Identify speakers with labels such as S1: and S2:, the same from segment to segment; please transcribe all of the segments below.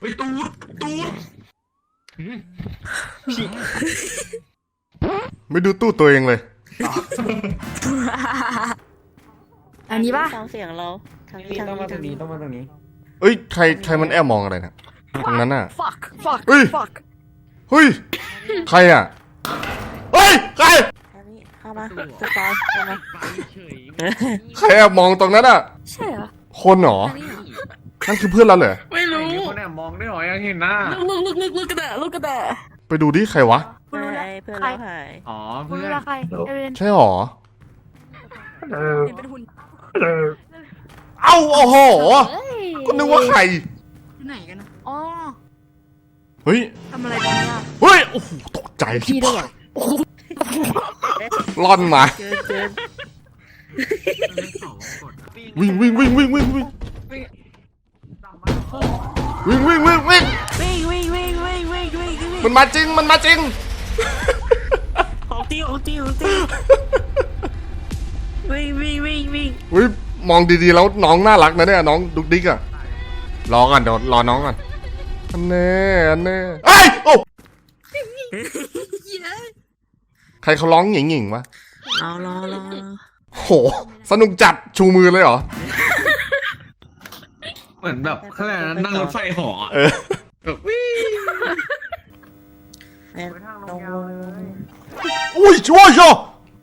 S1: ไปตูด
S2: ไม่ดูตู้ตัวเองเลย
S3: อันนี้ป่ะ
S4: ฟังเสียงเราทางนี้
S1: ต้องมาตรงนี้ต้องมาตรงนี้
S2: เอ้ยใครมันแอบมองอะไรนะตรงนั้นน่ะ
S3: fuck fuck
S2: เฮ้ย
S3: fuck
S2: เฮ้ยใครอ่ะเฮ้ยใคร
S4: ทางนี้เข้ามาสปอยเข้ามา
S2: ใครแอบมองตรงนั้นอ่ะ
S3: ใช่เหรอ
S2: คนเหรอ
S3: อันนี้เหรอ
S2: นั่นคือเพื่อนเราเหรอ
S3: ไม่รู้
S1: มีคนแอบมองด้วยเหรอยังเห็นหน้า
S3: ลูกกระแดะลูกกระแดะ
S2: ไปดูดิใครวะ
S4: เพื่อนเราหาย
S1: อ๋อ
S3: คุณ
S1: เพื่อ
S3: รู้
S1: น
S3: ละใครเอเวน
S2: ใช่หรอ
S3: เห็นเป็นหุ่น
S2: เอ้าโอ้โห
S3: เฮ้ย
S2: ก็นึกว่าใคร
S3: อยู่ไหนกันนะอ๋อ
S2: เฮ้ย
S3: ทำอะไรกันเนี่ย
S2: เฮ้ยโอ้โหตกใจ
S3: พี่ด้วยอ่ะ
S2: ล่อนมา
S4: เกิน
S2: วิ่งวิ่งวิ่งวิ่งวิ่งวิ่งวิ่งวิ่งวิ่งวิ่ง
S4: วิ่ง
S2: มันมาจริงมันมาจริง
S4: ของจริงวิ่ง
S2: อุ้ยมองดีๆแล้วน้องน่ารักนะเนี่ยน้องดุกดิกอะรอก่อนเดี๋ยวรอน้องก่อนอันแน่เอ้ยโอ้ใครเขาร้องหยิ่งๆวะ
S4: รอ
S2: โหสนุกจัดชูมือเลยเหรอ
S1: เหมือนแบบเขาเรียกอะไรนะนั่งรถไฟเหอ
S2: เออ
S1: แบบวิ่ง
S4: แม่ลง
S2: อุ้ยช่วยช่วย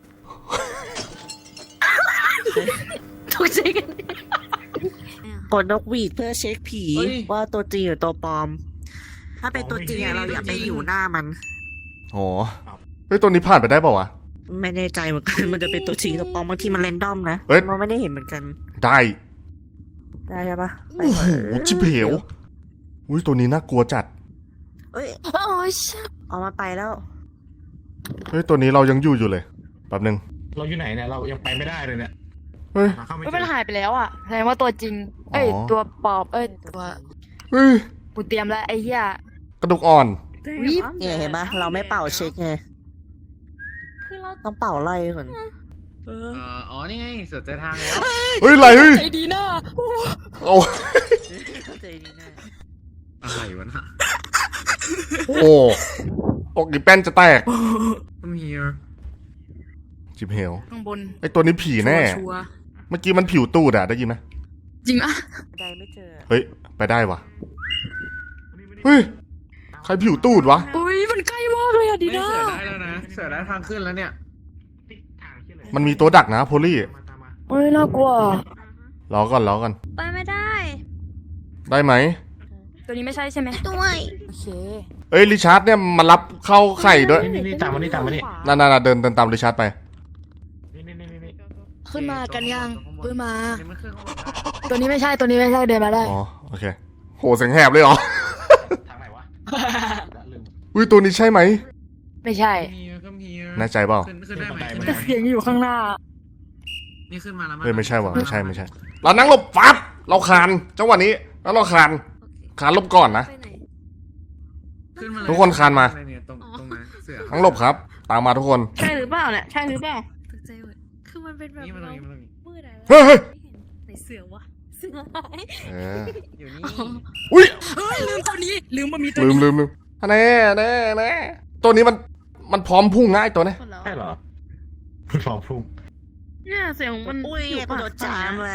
S3: ตกใจกัน
S4: กดนกหวีดเพื่อเช็คผีว่าตัวจริงหรือตัวปลอม ถ้าเป็นตัวจริงอะเราอย่าไปอยู่หน้ามัน
S2: โหเฮ้ยตัวนี้ผ่านไปได้เปล่าวะ
S4: ไม่แน่ใจเหมือนกัน มันจะเป็นตัวจริงตัวปลอมบางทีมันเรนดอมนะ
S2: เอ้ย
S4: มันไม่ได้เห็นเหมือนกัน
S2: ได้
S4: ได้ใช่ปะ
S2: โอ้โหจิบเหวอุ้ยตัวนี้น่ากลัวจัด
S4: เอ้ย
S3: โอ้ย
S4: ออกมาไปแล้ว
S2: เฮ้ยตัวนี้เรายังอยู่เลยแป๊บนึง
S1: เราอยู่ไหนเนี่ยเรายังไปไม่ได้เลยเนี่ย
S2: เฮ้ย
S1: หาเข้าไม่
S3: ไม่
S1: เจ
S3: เป็น
S1: อ
S3: หายไปแล้วอ่ะแสดงว่าตัวจริง เอ้ย
S2: อ๋อ
S3: ตัวปลอบเอ้ยตัว
S2: เฮ้ย
S3: กูเตรียมแล้วไอ้เหี้ย
S2: กระดูกอ่อน
S3: วิบ
S4: เนี่ยเห็นปะเราไม่เป่าเช็คไง
S3: คือเรา
S4: ต้องเป่าไล่ก่อน
S1: อ๋อนี่ไงเสือเจอทางแล้ว
S2: เฮ้ยอะไรเฮ้ย
S3: ใจดีนะ
S2: โอ้
S4: ใจดีนะ
S1: อะไรวะน่ะ
S2: โอ้อกอีแป้นจะแตก
S1: I'm here
S2: จิบเหว
S3: ข้างบน
S2: ไอตัวนี้ผีแน่
S3: ชัวร์
S2: เมื่อกี้มันผิวตูดอะได้ยินไหม
S3: จริงอ่ะ
S4: ใดไม่เจอ
S2: เฮ้ยไปได้วะเฮ้ยใครผิวตูดวะ
S3: อุ้ยมันใกล้มากเลยอ่ะดี
S1: ไม่
S3: นะ
S1: เสือได้แล้วนะเสือได้ทางขึ้นแล้วเนี่ย
S2: มันมีตัวดักนะโพลี่
S3: เฮ้ยน่ากลัว
S2: รอก่อน
S5: ไปไม่ได้
S2: ได้ไหม
S3: ตัวนี้ไม่ใช่ใช่ไหม
S5: ด้วย
S3: โอเค
S2: เอ้ยริชาร์ดเนี่ยมารับเข้าไข่ด้วย
S1: นี่ตามมานี่ตามมานี่
S2: นั่นๆๆเดินตามริชาร์ดไป
S1: นี่
S3: ขึ้นมากันยังขึ้นมา
S1: นี่มันขึ้นข้างบน
S3: ตัวนี้ไม่ใช่ตัวนี้ไม่ใช่เดินมาได้
S2: อ๋อโอเคโหเสียงแหบเลยเหรอ
S1: ทางไหนวะลืม
S2: อุ้ยตัวนี้ใช่ไหม
S3: ไม่ใช่
S2: แน่ใจเปล่า
S1: ขึ้นได้ไหม
S3: แต่เสียงอยู่ข้างหน้า
S1: นี่ขึ้นมาแล้วมั้
S2: เฮ้ยไม่ใช่ว่ะไม่ใช่เรานั่งหลบปั๊บเราคานจังหวะนี้แล้วเราคานหลบก่อนนะ
S5: ไปไหน
S1: ขึ้นมาเลย
S2: ทุกคนคานมา
S1: เนี่ยตรงนั้นเสือ
S2: นั่งหลบครับ ตามมาทุกคน
S3: ใช่หรือเปล่าเนี่ยใช่หรือเปล่า
S5: ตกใจหมดคือมันเป็นแบบ
S1: นี่มันตรง
S5: เรา
S1: นี้มันตรงนี้
S5: มืดอะไร
S2: เฮ้ยเฮ้ย
S5: ไม่เห็นไหนเสือวะเสือหาย
S2: เออ
S1: อยู่นี่
S2: อุ้ย
S3: เฮ้ยลืมตัวนี้ลืมว่ามีตัว
S2: ลืม
S3: นี้
S2: ลืมแน่ตัวนี้มันพร้อมพุ่งง่ายตัวเนี้ย
S5: คนแล้ว
S1: ใช่เหรอฟองพุ่ง
S3: เนี่ยเสียงมัน
S4: อุ้ยกูโดนจามแหละ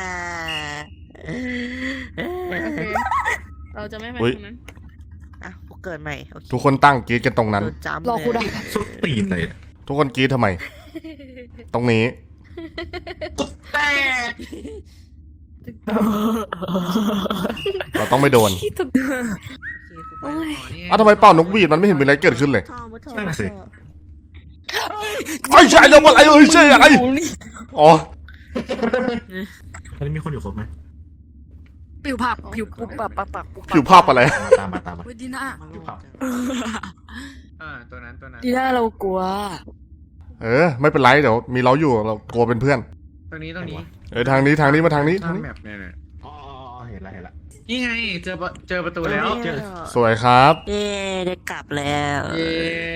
S3: เราจะไม่ไปตรงนั้น
S4: อ่ะกูเกิดใหม่โอเค
S2: ทุกคนตั้งกรีดกันตรงนั้น
S4: โดนจาม
S3: รอกูได้
S1: สุดตีนเลย
S2: ทุกคนกรีดทำไม ตรงนี้ เราต้องไม่โดน
S3: ที่ถูก
S4: โอ้ย
S2: อ้าวทำไมเป่านกหวีดมันไม่เห็นมีอะไรเกิดขึ้นเลย
S1: นั่นน่ะสิ
S2: ไอ้ใช่แล้วอะไรใช่อะไรอ๋อ
S1: ตอนนี้มีคนอยู่ครบไหม
S3: ผิวผักผิวปุบปับปับปับปุบ
S2: ผิวภาพอะไร
S1: ตามมา
S3: เฮ้ยดีน่า
S1: ตัวนั้น
S3: ดีน่าเรากลัว
S2: ไม่เป็นไรเดี๋ยวมีเราอยู่เรากลัวเป็นเพื่อน
S1: ตรงนี้
S2: ทางนี้มาทางนี้
S1: ทางแมปเนี่ยอ๋อเห็นละนี่ไงเจอประตูแล้ว
S2: สวยครับ
S4: เย้ได้กลับแล้ว
S1: เย้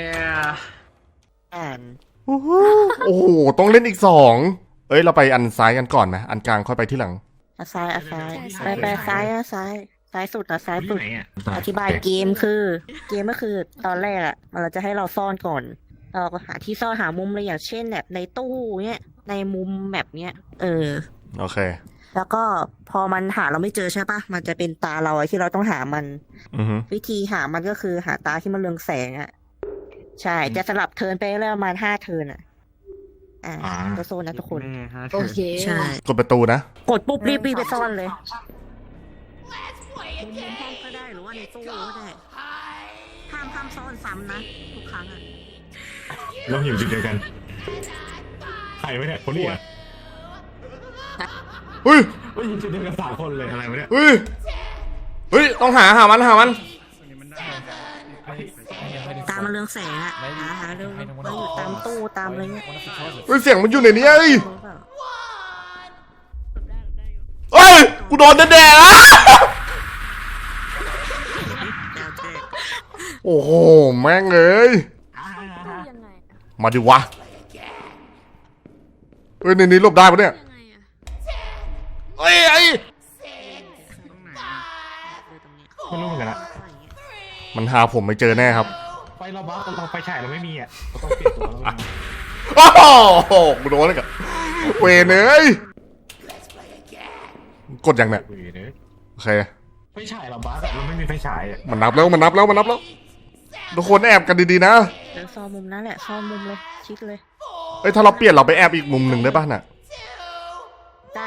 S4: อ่าน
S2: โอ้โหต้องเล่นอีก2เราไปอันซ้ายกันก่อนไหมอันกลางค่อยไปที่หลัง
S4: ซ้ายไปซ้ายซ้ายสุดนะซ้ายสุด
S1: ไหนอ่ะ
S4: อธิบายเกมคือ เกมก็คือตอนแรกอะเราจะให้เราซ่อนก่อน เราก็หาที่ซ่อนหามุมเลยอย่างเช่นแบบในตู้เนี้ยในมุมแบบเนี้ย
S2: โอเค
S4: แล้วก็พอมันหาเราไม่เจอใช่ปะมันจะเป็นตาเราอะที่เราต้องหามัน
S2: อือฮึ
S4: วิธีหามันก็คือหาตาที่มันเรืองแสงอะใช่จะสลับเทิร์นไปเรื่อยๆประมาณ5 เทิร์นอะตัวโซนนะทุกคน
S3: โอเค
S4: ใช่
S2: กดประตูนะ
S4: กดปุ๊บรีบไปซ่อนเลยมุมห้องก็ได้หรือว่าในตู้ก็ได้ห้ามซ่อนซ้ำนะทุกครั้งอะ
S6: เราอยู่จุดเดียวกันใครไม่เนี่ยคนนี้อ่ะ
S2: เฮ้ย
S6: เราอยู่จุดเดียวกัน3 คนเลยอะไรวะเนี่ย
S2: เฮ้ย เฮ้ย ต้องหามัน
S4: ตามมันเรืองแสงอะหาเรื่องมันอยู่ตามตู้ตามอะไรเงี้ย
S2: เฮ้ย เสียงมันอยู่ในนี้เอ้ยเฮ้ย กูโดนแดดๆอ่ะโอ้โห แม่งเอ้ย
S5: ยังไง
S2: มาดิวะ เฮ้ย ในนี้หลบได้ปะเนี่ย
S5: ยังไงอะ
S2: เฮ้ย ไอ้
S6: ไม่รู้เหมือนกันละ
S2: มันหาผมไม่เจอแน่ครับ
S6: ไฟเราบ้าเราไฟฉายเราไม่มีอ่ะเราต้องเปลี่ยนตัวแล้ว
S2: โอ้โห กูโดนเลยกับเวรเอ้ยกดยังเนี่ย โอเค
S6: ไฟฉายเราบ้าแต่เราไม่มีไฟฉายอ่ะ
S2: มันนับแล้วทุกคนแอบกันดีๆนะ
S4: เดี๋ยวซ่อนมุมนั้นแหละซ่อนมุมเลยชิดเลย
S2: เอ้ย ถ้าเราเปลี่ยนเราไปแอบอีกมุมหนึ่งได้ป่ะน่ะ
S4: ได้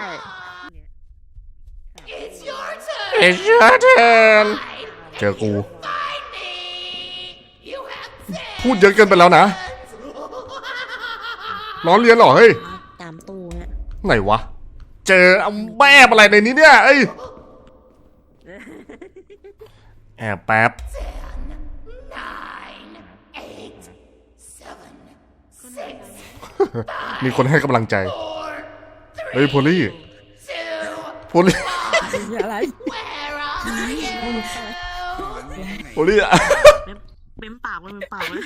S2: It's your turn เจอกู พูดเยอะเกินไปแล้วนะล้อเลียนเหรอ เฮ้ย
S4: ตามตู้เนี่ย
S2: ไหนวะ เจอเอาแอบอะไรในนี้เนี่ยเอ้ย แอบแป๊บ มีคนให้กำลังใจ เฮ้ยโพลี่โพลี่
S4: อะไร
S2: โพลี่อะ
S4: เม้มปากมันเป็นปากเลย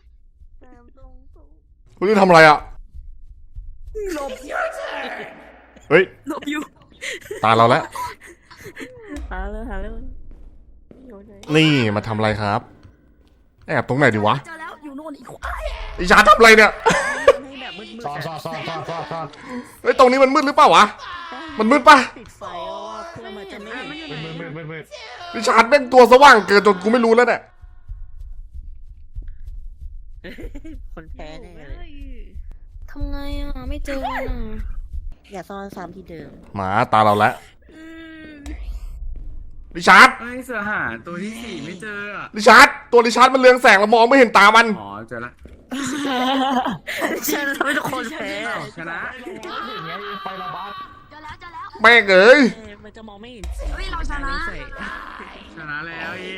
S2: โพลี่ทำอะไรอะ
S4: หลบ
S2: เฮ้ย
S4: หลบอยู่
S2: ตาเราแล้ว
S4: หาเลย
S2: นี่มาทำอะไรครับ แอบตรงไหนดีวะ
S3: เจอแล้วอยู่โน่นอีก
S2: ไอชาทำอะไรเนี่ย
S4: ให้แบบมืด
S6: ซ่อนซ่อนซ่อนซ่อนซ่อนซ่อน
S2: เฮ้ยตรงนี้มันมืดหรือเปล่าวะ มันมืดปะ
S4: ปิดไฟเอาว่าเพื่อมันจะไม่เห็น
S6: มืด
S2: ไอชาแม่งตัวสว่างเกินจนกูไม่รู้แล้วเนี่ย
S4: คนแพ้แน่เลย
S5: ทำไงอะไม่เจอมันอะ
S4: อย่าซ่อนซ้ำที่เดิม
S2: หมาตาเราแล้ว
S5: อืม
S2: ริชาร์ด
S1: ไอ้เสือหาตัวที่ 4 ไม่เจออ่ะ
S2: ริชาร์ดตัวริชาร์ดมันเรืองแสงเรามองไม่เห็นตามัน
S1: อ๋อเจอละ
S4: ใช่ทำให้ทุกคนแพ้
S1: ชนะ
S6: อย่างเงี้ยไฟเราบ้า
S3: เจอแล้วเจอแล้ว
S2: แม่งเอ้ย
S4: มันจะมองไม่เห็น
S3: เฮ้ยเราชนะ
S1: ชนะแล้วเย้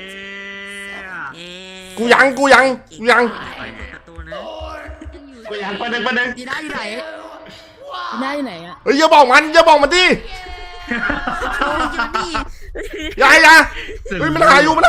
S2: กูยัง
S4: ประตูนะ
S6: กูอยากไปหนึ่ง
S3: ดีได้อยู่ไหนดีได้อยู่ไหนอะ
S2: เฮ้ยอย่าบอกมันดิ
S4: โอ้ยนี่
S2: อย่าเฮ้ยมันหาอยู่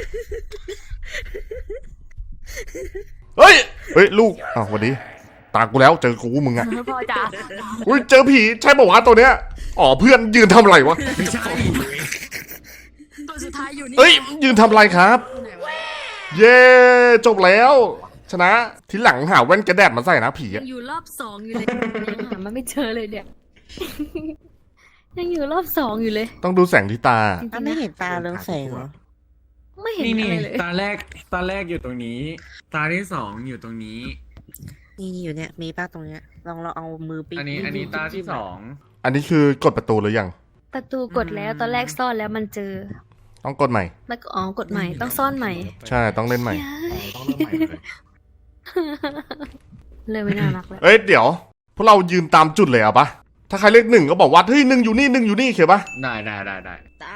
S2: เฮ้ยลูกอ้าวสวัสดีตากูแล้วเจอกูมึงอะ
S3: พ่อจ๋า
S2: อุ้ยเจอผีใช่ป่าวะตัวเนี้ยอ๋อเพื่อนยืนทำอะไรวะ
S1: ไม่ใช่
S3: ตัวสุดท้ายอยู่นี่
S2: เฮ้ยยืนทำอะไรครับ
S3: อยู่ไหนวะ
S2: เย้จบแล้ว ชนะทีหลังหาแว่นกระแดดมาใส่นะผี
S5: ยั
S2: อะ
S5: งอยู่รอบ 2 อยู่เลยยังหามันไม่เจอเลยเนี่ย ยังอยู่รอบ 2 อยู่เลย
S2: ต้องดูแสงที่ตา
S5: จริง
S4: อ้าว
S5: ๆ
S4: ไม่
S5: นะ
S4: เห็นตาเรืองแสงเหรอ
S5: ไม่เห็น
S1: นี่
S5: อะไรเลย
S1: ตาแรกอยู่ตรงนี้ ตาที่ 2อยู่ตรงนี้
S4: นี่อยู่เนี่ยมีป้าตรงเนี้ยลองเราเอามือปี
S1: อันนี้ตาที่
S2: อันนี้คือกดประตูหรือยัง
S5: ประตูกดแล้วตอนแรกซ่อนแล้วมันเจอ
S2: ต้องกดใหม่
S5: แล้วก็กดใหม่ต้องซ่อนใหม่
S2: ใช่ต้องเล่นใหม่
S6: ต้องเริ่มใหม่เลย
S5: เลยไม่น่ารักแล้ว
S2: เอ้ยเดี๋ยว พวกเรายืนตามจุดเลยเอาปะถ้าใครเลข1ก็บอกว่าเฮ้ย1อยู่นี่1อยู่นี่เข้าปะ
S1: 2ได้
S3: ได้
S1: ได้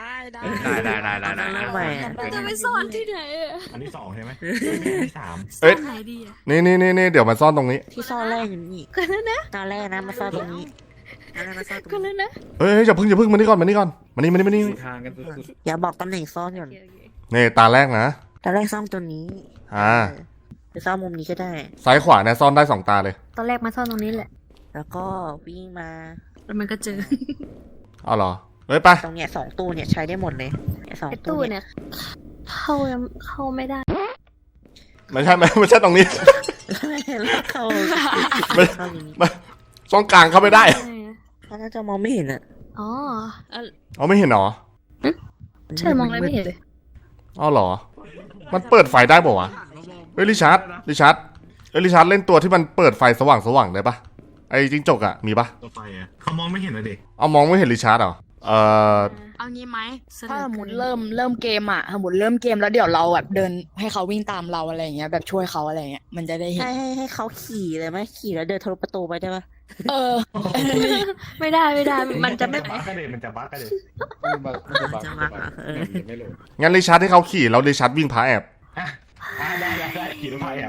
S5: จะไปซ่อนที่ไหนอะ
S6: อันที่2ใช่ไหมอันที่3
S2: เอ้ย
S5: ไหนดีอะ
S2: นี่เดี๋ยวมาซ่อนตรงนี้
S4: ที่ซ่อนแรกอยู่นี่
S5: ก็แล้วนะ
S4: ตอนแรกนะมาซ่อนตรงนี้ตอนแรกมาซ่อนตรง
S5: ก็
S4: นี้
S5: แล้วนะ
S2: เฮ้ยอย่าเพิ่งมานี่ก่อนมานี่
S1: ทางกันสุด
S4: อย่าบอกตำแหน่งซ่อนก่อน
S2: นี่ตาแรกนะ
S4: ตอนแรกซ่อนตัวนี้ หรือซ่อนมุมนี้ก็ได้
S2: ซ้ายขวาเนี่ยซ่อนได้2ตาเลย
S5: ตอนแรกมาซ่อนตรงนี้แหละ
S4: แล้วก็วิ่งมา
S5: แล้วมันก็เจอ
S2: เอาเหรอเฮ้ยไป
S4: ตรงเนี้ย2 ตู้เนี่ยใช้ได้หมดเลยเนี่ยสอง
S5: ไอ้
S4: ตู้
S5: ตู้
S4: เนี่ย
S5: เนี่ยเข้าไม่ได้
S2: ไม่ใช่ไม่ใช่ตรงนี้
S4: แล้วเขา
S2: ไม่
S4: เข้าอย่างนี้
S2: ไม่ช่องกลางเข้าไม่ได้
S4: เขาน่าจะมองไม่เห็นอ่ะ
S5: อ๋อ
S2: เอาไม่เห็นเหรอ
S5: ใช่มองอะไรไม่เห็นเลย
S2: อ๋อเหรอ มันเปิดไฟได้ป่าวะเฮ้ยริชาร์ดเฮ้ยริชาร์ดเล่นตัวที่มันเปิดไฟสว่างได้ปะไอ้จิ้งจกอะมีปะ
S6: ตัวไฟอ่ะเขามองไม่เห็นเลยดิ
S2: เอามองไม่เห็นริชาร์ดเหรอ
S3: เอางี้ไหมถ้าสมมติเริ่มเกมอ่ะสมมติเริ่มเกมแล้วเดี๋ยวเราแบบเดินให้เขาวิ่งตามเราอะไรอย่างเงี้ยแบบช่วยเขาอะไรเงี้ยมันจะได้เห็น
S4: ให้เขาขี่เลยไหมขี่แล้วเดินทะลุประตูไปได้ปะ
S3: เออ
S5: ไม่ได้ มันจะไม่
S6: บั๊กกันเลยมันจะบั๊กกันเลย
S4: จะมาเออ
S1: ไม่รู้
S2: งั้นริชาร์ดให้เขาขี่แล้วริชาร์ดวิ่งพาแอบ
S6: ได้ขี่รถไฟอ่ะ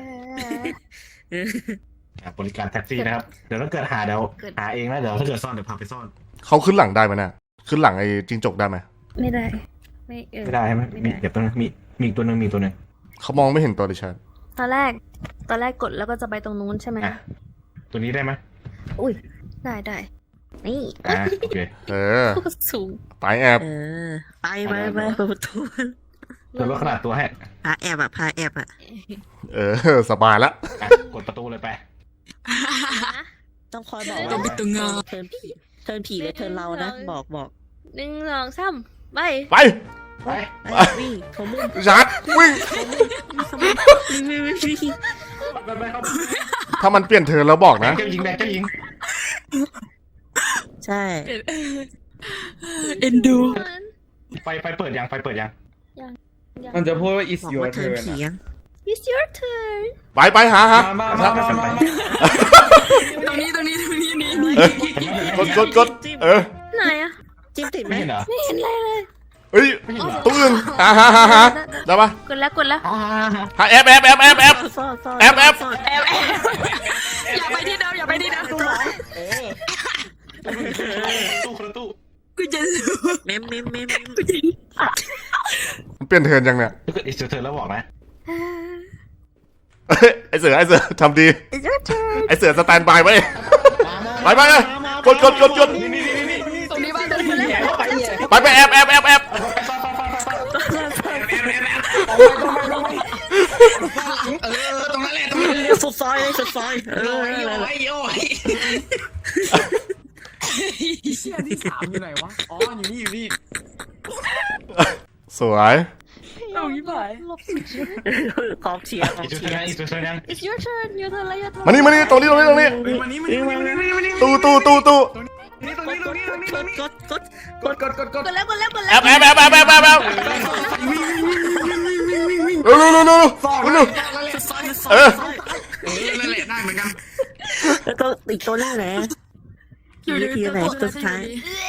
S6: บริการแท็กซี่นะครับเดี๋ยวถ้าเกิดหาเดี๋ยวหาเองนะเดี๋ยวถ้าเกิดซ่อนเดี๋ยวพาไปซ่อน
S2: เขาขึ้นหลังได้ไหมน่ะขึ้นหลังไอ้จิ้งจกได้ไหม
S5: ไม่ได้
S6: ไม่ได้ใช่ไหมมีเดี๋ยวต้องมีอีกตัวหนึ่งมีตัวหนึ่ง
S2: เขามองไม่เห็นตัวริชาร์ด
S5: ตอนแรกกดแล้วก็จะไปตรงนู้นใช่ไหม
S6: อ่ะตัวนี้ได้ไหม
S5: ได้
S4: นี่
S6: โอเค
S5: สูง
S2: ไปแอบ
S4: ไปเปิดประตู
S6: เดี๋ยวลดขนาดตัวให้
S4: พาแอบอ่ะ
S2: สบายละ
S6: กดประตูเลยไป
S4: ต้องคอยบอก
S3: ต้องไปตึงงา
S4: เทิร์นผีหรือเทิร์นเรานะบอก
S5: 1 2 3ไป
S2: ไป
S6: ไป
S4: วิ่งเขามุ่ง
S2: ริชาร์ดวิ่ง
S4: วิ่ง
S6: ไปครับ
S2: ถ้ามันเปลี่ยนเทิร์นแล้วบอกนะ
S6: เจ้าหญิงแดงเจ้าหญิง
S4: ใช่
S3: เอ็นดู
S6: ไฟเปิดยังไฟเปิดยัง
S1: มันจะพูดว่า is
S4: บอก
S1: your
S4: ว่าเทิร์น
S1: turn
S4: ผี
S1: อะ
S4: ยัง
S5: It's your turn
S2: ไปหา
S1: มา
S3: ตรงนี้นี่
S2: กด
S5: ไหนอะ
S4: จิ้มติดไหม
S6: ไม่เห็นเหรอ
S5: ไม่เห็นอะไรเลย
S2: เฮ้ยตู้อื่นหาได้ปะ
S5: กดแล้ว
S2: หาแอบ
S4: ซ่อน
S2: แอบ
S3: อย่าไปที่เดิม
S6: ตู้
S3: กูจะ
S4: เมม
S2: มันเปลี่ยนเทิร์นยังเนี่ย
S6: ถ้าเกิดอีกเธอแล้วบอกนะ
S2: ไอเสือทำดี
S5: It's your turn
S2: ไอเสือสแตนบายไว้ไปกด
S3: ตรงนี้บ้างตรงนี้
S2: ไปแอบ
S1: ตรงนั้นแหละ
S4: สุดซอยเลย
S1: เชี่ยที่3อยู่ไหนวะอ๋ออยู่นี่
S2: สวย
S3: เอาอีกไป
S4: กองเชียร์
S6: อีกเธอยัง
S5: It's your turn your turn แล้ว your turn
S2: มานี่ตรงนี้
S1: มานี่
S2: ตู้
S1: กด
S5: กดแล้ว
S2: แอบเร็วเ
S1: นั่นแหละได้เหมือนกัน
S4: แล้วก็อีกตัวนึงนะอยู่ที่ไหนตัวสุดท้าย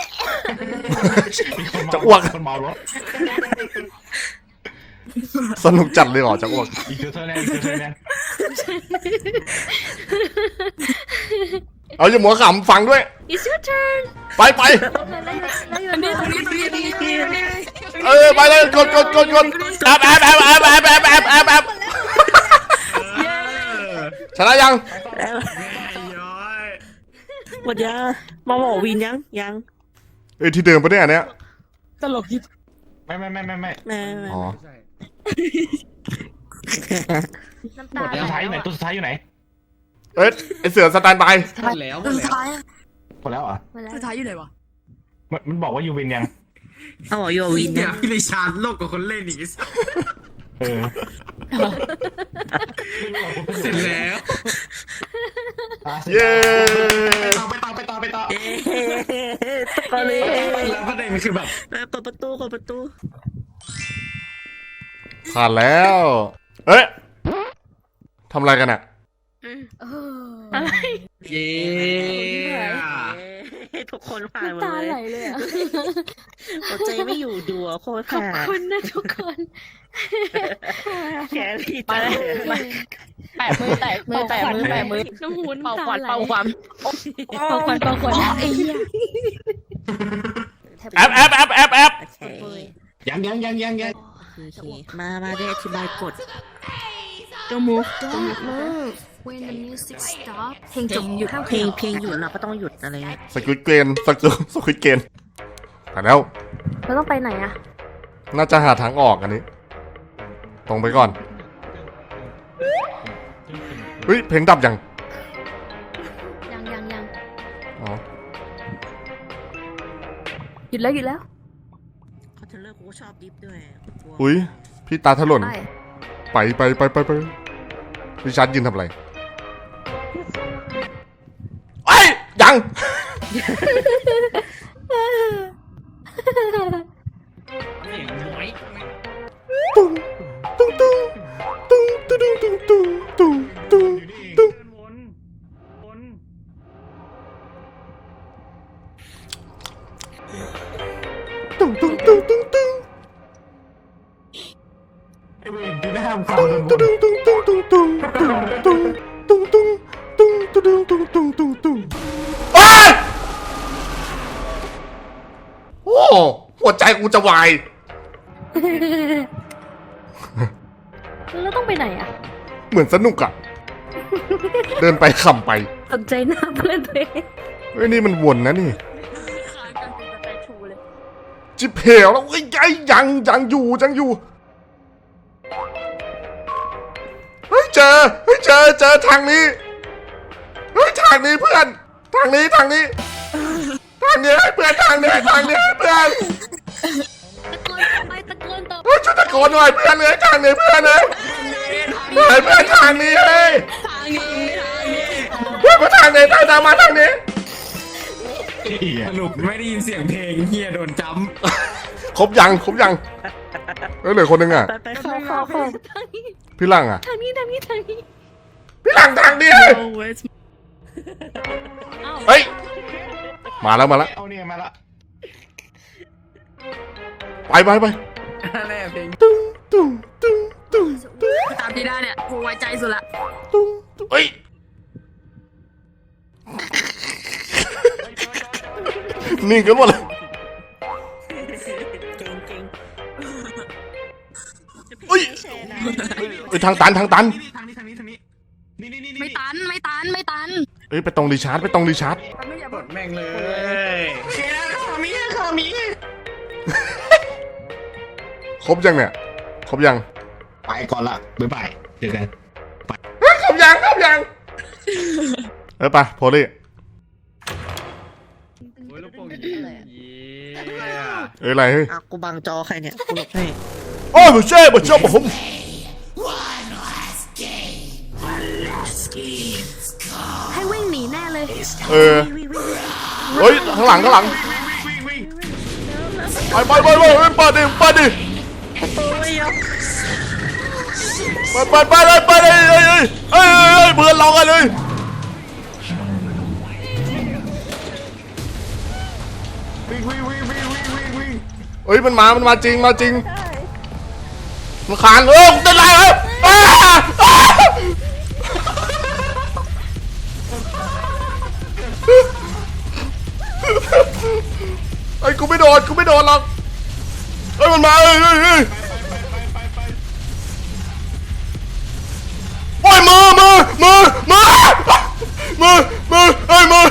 S2: จะอ้วก
S6: คนเมารถ
S2: สนุกจัดเลยเหรอจะอ้วก
S6: อีกเธอยัง
S2: เอาอย่าหัวขำฟังด้วย
S5: It's your turn
S2: ไป
S5: แล้ว your turn
S3: ตรงนี้
S2: ไปเลยกดแอบชนะยัง
S4: หมดยังมาบอกวินยัง
S2: ที่เดิมปะเนี่ยอันเนี้ย
S3: ตลกที่
S6: ไม่
S4: แม่
S2: อ๋อ
S5: น้ำตา
S6: ตัวสุดท้ายอยู่ไหนตัวสุดท้ายอยู่ไหน
S2: ไอเสือสแตนบาย
S1: หมดแล้ว
S3: สุดท้าย
S6: หมดแล้วเหรอ
S3: สุดท้ายอยู่ไหนวะ
S6: มันบอกว่ายูวินยัง
S4: เอาบอกโยวิน
S1: เนี่
S4: ยั
S1: ย
S4: ง
S1: พี่ลิชาร์ดโลกกับคนเล่นอีก เสร็จแล้ว
S2: เย้
S6: ไปต่อ
S4: ก็เลย
S1: แล้วประเด็นคือแบบ
S4: เปิดประตู
S2: ผ่านแล้ว ทำอะไรกันอ่ะ
S5: อะไร
S1: เย้
S4: ทุกคนผ่านหมด
S5: ตา
S4: เล
S5: ไหล
S4: ย
S5: เลยอ่ะ
S4: หัวใจไม่อยู่ดูโคตร
S5: ขอบ
S4: ผ่าน
S5: คุณนะทุกคน
S4: แครี่
S3: ไป
S4: ตาย
S3: แปะมือแตะมือ
S5: น้ำหู
S3: เป่า
S5: น้ำ
S3: ควั
S5: ตาน ไหล
S3: เป่าควันไอ้เหี้ย
S2: แอบ
S4: โอเค
S6: ยัง
S4: มาได้อธิบายกฎ
S3: ตัวมูฟ
S5: Don't move when the music stop เพลงจบ
S4: เพลงหยุดเราก็ต้องหยุดอะไรเงี้ย
S2: สควิตเกนสควิตเกนผ่านแล้ว
S5: เราต้องไปไหนอะ
S2: น่าจะหาทางออกอันนี้ตรงไปก่อนเฮ้ยเพลงดับยัง
S5: ยัง
S2: อ๋อ
S5: หยุดแล้ว
S4: เขาเทเลอร์กูก็ชอบดิฟด้วยกลัว
S2: อุ้ยพี่ตาถลน
S5: ไป
S2: ไปริชาร์ดยืนทำอะไรไอ้ยยัง ตุ้งตุ้งตุ้งตุ้งตุ้งตุ้งตุ้งตุ้งตุ้งตุ้ง
S1: วน
S2: ตุ้งตุ้งตุ้งตุ้งตุ้ง
S6: ไอ้เวรที่ได้ทำความ
S2: ตุ้ง
S6: โดน
S2: ตุ้งตุ้งตุ้งตุ้งตุ้งตุ้งตุ้งตุ้งตุ้งตุ้งตุ้งตุ้งตุ้งตุ้งตุ้งโอ้ยโอ้หัวใจกูจะวาย
S5: แล้วต้องไปไหนอ่ะ
S2: เหมือนสนุกอะเดินไปขำไป
S5: สนใจหน้าเพื่อนตัวเอง
S2: เฮ้ยนี่มันวนนะนี่
S3: ค้างกันเป็นสเตชูเลย
S2: จิบเหวแล้วเฮ้ยยังอยู่เฮ้ยเจอทางนี้เฮ้ยทางนี้เพื่อนทางนี้ให้เพื่อนทางนี้ให้เพื่อน
S5: ตะโกนไปตะโกนต่อ
S2: เฮ้ยช่วยตะโกนหน่อยเพื่อนเลยทางนี้เพื่อนเลยเฮ้ยเพื่อนทางนี้เฮ้ยเพื่อนมาทางนี้ตามมาทางนี้
S6: สรุปไม่ได้ยินเสียงเพลงเฮียโดนจ้
S2: ครบยังเฮ้ยเหลือคนหนึงอ่ะ
S4: ไปเข้า
S2: พี่หลังอ่ะ
S5: ทางนี้
S2: พี่หลังทางนี้เฮ้ยมาแล้ว
S6: ำเอาเนี่ยมาละ
S2: ไป
S1: แน่เพลง
S2: ตุ้ง
S3: ตามพี่ได้เนี่ยกูไว้ใจสุดละ
S2: เฮ้ยนิ่งกันหมดเลย
S4: เก่ง
S2: เฮ้ยเฮ้ยทางตัน
S1: ทางนี้นี่
S3: ไม่ตัน
S2: เฮ้ยไปตรงรีชาร์จ
S3: ไม่อย่าก
S1: ดแม่งเลย
S2: ครบยังเนี่ยครบยัง
S6: ไปก่อนละบ๊ายบายเจอกัน
S2: เฮ้ยครบยังไปโพลี่
S1: โอ้ยลูกโป่งยิง
S2: เอ้ยอะไรเฮ้ย
S4: ๆอ่ะกูบังจอใครเนี่ยกูหลบให้
S2: โอ้ยมาเช่ผม
S5: ให้วิ่งหนีแน่เลย
S2: เเฮ้ยข้างหลังไปเปิดดิไปเลยเพื่อนเรากันเลยเฮ้ยมันมาจริงมันคานเต้นไรไอ้กูไม่โดนหรอกเฮ้ยมันมาโอ้ยมือเฮ้ยมือ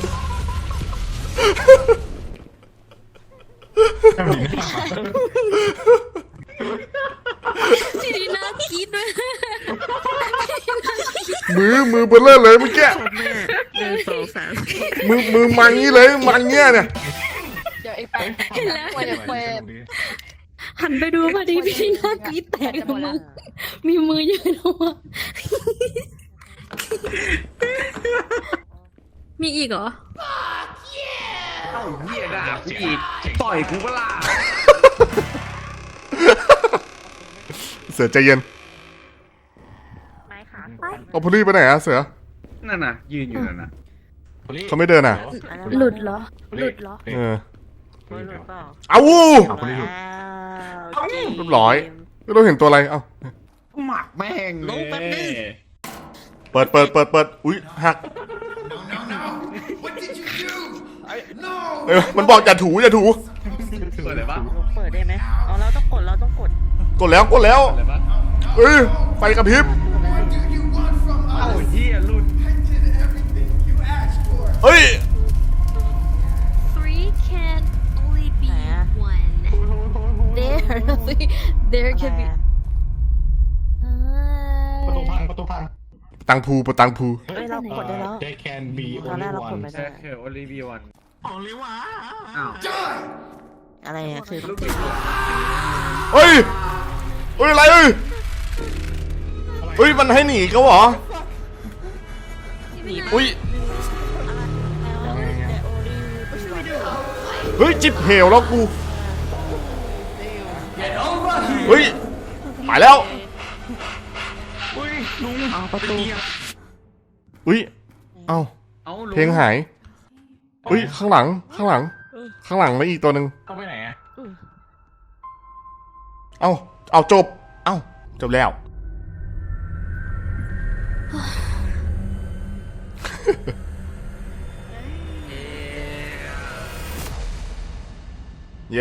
S5: ทีนี้น่าคิดด้วย
S2: มือเบลเลอร์เลยเมื่อกี้
S4: แม่1 2 3
S2: มือมันงี้เลยมันเงี้ยเนี่ย
S3: เดี๋ยวไอ้แป๊บเห็นแล้วเปิด
S5: หันไปดูพอดีพี่น่าคิดแตกมึงมีมือยืนออกมามีอีกเหรอ
S1: เอ้าเหี้ยด่ากูอีกต่อยกูก็ล่ะ
S2: เสือใจเย็น
S4: ไปขา
S2: เอาพลีไปไหนอะเสือ
S1: นั่นน่ะยืนอยู่นั่นน่ะ
S2: เขาไม่เดินอะ
S5: หลุดเหรอ
S2: เออ
S4: ไม่รู้เปล่า
S2: เอา
S6: เอาไปเลย
S4: ว้าว
S2: เรียบร้อยไม่รู้เห็นตัวอะไรเอ้า
S1: หมักแม่งเลย
S2: เปิดอุ้ยหักมันบอกอย่าถู
S1: เปิดเลยปะ
S4: เปิดได้ไหมอ๋อเราต้องกด
S2: กดแล้ว
S1: เปิดเลยปะ
S2: เฮ้ยไฟกระพริบ
S1: เอ้าเหี้ยหลุด
S2: เฮ้ย
S5: Three can only be one. There can be
S2: ตังพูปะตังพู
S4: เอ้ยเรากดได้แล้ว
S6: They can be
S4: ตอนแร
S6: only
S4: กเรากด
S6: one
S4: ไม่
S1: แค่
S4: ได้
S1: คือโอลิวิวัน
S6: only one
S1: อ้าว
S4: อะไรอะคือ
S1: ลูกบิด
S2: เฮ้ยเฮ้ยอะไรเอ้ยเฮ้ยมันให้หนีเขาเหรออุ้ยเฮ้ยจิบเหวแล้วกูเฮ้ยไปแล้ว
S4: เอาประตู
S2: อุ้ยเอ้า
S1: เอาลุ
S2: เพลงหายอุ้ยข้างหลังข้างหลังมาอีกตัวหนึ่ง
S6: เข้าไปไหนอะ
S2: เอาจบจบแล้ว เย้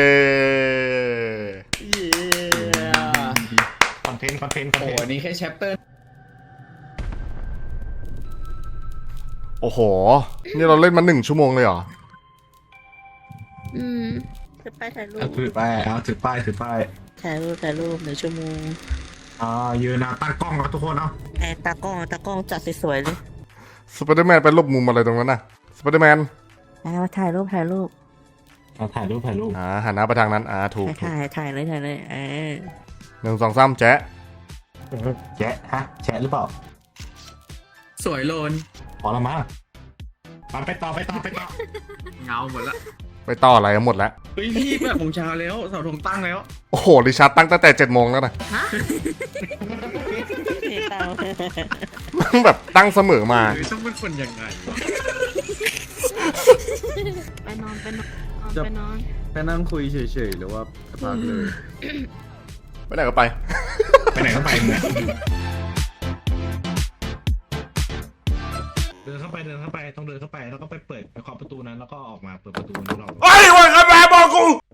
S6: คอนเทนต์
S1: โอ้โหอันนี้แค่แชปเตอร์
S2: โอ้โห นี่เราเล่นมา1 ชั่วโมงเลยเหรอ
S5: อืม
S4: ถือป้ายถ่ายรูป
S6: ถือป้ายถือป้าย
S4: ถ่ายรูป1 ชั่วโมง
S6: ยืนนะตั้งกล้องแล้วทุกคนเนาะ
S4: ไอ้ตากล้องจัดสวยๆเลย
S2: สไปเดอร์แมนไปหลบมุมอะไรตรงนั้นน่ะ สไปเดอร์แมน
S4: เอาถ่ายรูป
S6: ถ่ายรูป
S2: หันหน้าไปทางนั้น ถูก
S4: ถ่ายเลย
S2: 1 2 3แจ๊ะ
S6: แชะฮะแชะหรือเปล่า
S1: สวยโลน
S6: พอละมั้งไปต่อ
S1: เงาหมดละ
S2: ไปต่ออะไรหมดแล้ว
S1: เฮ้ยพี่แบบผมเช้าแล้วเสาธงตั้งแล้ว
S2: โอ้โหริชาร์ดตั้งแต่7 โมงแล้วนะ แบบตั้งเสมอมา
S1: หรือต้องเป็นคนยังไงวะ
S5: ไปนอน
S1: ไปนั่งคุยเฉยๆหรือว่าพักเลย
S2: ไปไหนก็ไป
S6: ไปไหนก็ไปเนี่ยเดินเข้าไปต้องเดินเข้าไปแล้วก็ไปเปิดไปเคาะประตูนั้นแล้วก็ออกมาเปิดประตูนั้นเรา